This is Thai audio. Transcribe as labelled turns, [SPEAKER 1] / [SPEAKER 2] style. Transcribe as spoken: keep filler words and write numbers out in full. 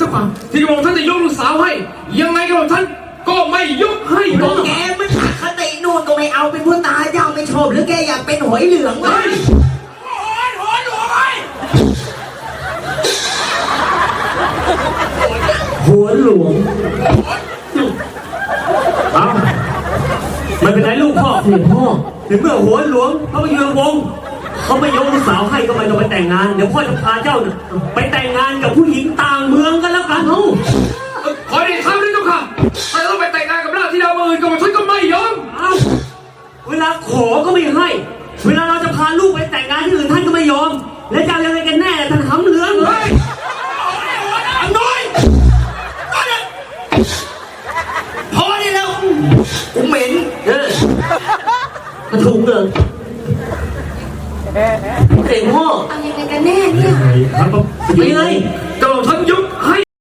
[SPEAKER 1] ฝ่าที่กระบอกท่านจะยกลูกสาวให้ยังไงกระบอกท่านก็ไม่ยกให้หรอก
[SPEAKER 2] แกมันขัดคตินู่นก็ไม่เอาเป็นผู้ตาเจ้าไม่ชอบหรือแกอยากเป็นหอยเหลืองวะหอยหอยหัวหลวงเอามันเป็นไรลูกพ่อเสียพ่อถึงเมื่อหัวหลวงเขาไปยืนวงเขาไม่ยกลูกสาวให้ก็ไม่ต้องไปแต่งงานเดี๋ยวพ่อจะพาเจ้าไปแต่งงานกับผู้หญิงต่างเมืองกันแล้วกันเฮ้
[SPEAKER 1] ขอได้ทำได้ทุกค่ะถ้าต้องไปแต่งงานกับราชธิดาเมืองอื่นกระบอกท่านก็ไม่ยอม
[SPEAKER 2] เอาเวลาขอก็ไม่ให้เวลาเราจะพาลูกไปแต่งงานที่อื่นท่านก็ไม่ยอมแล้วจะยังไงกันแน่ท่านหำเหลืองเลยอันน้อยพอได้แล้วกูเหม็นเออมาถูกเลยเก่งพ่อ
[SPEAKER 3] เอายังไงกันแน่เนี่ย
[SPEAKER 1] ครับ
[SPEAKER 2] เป็นไง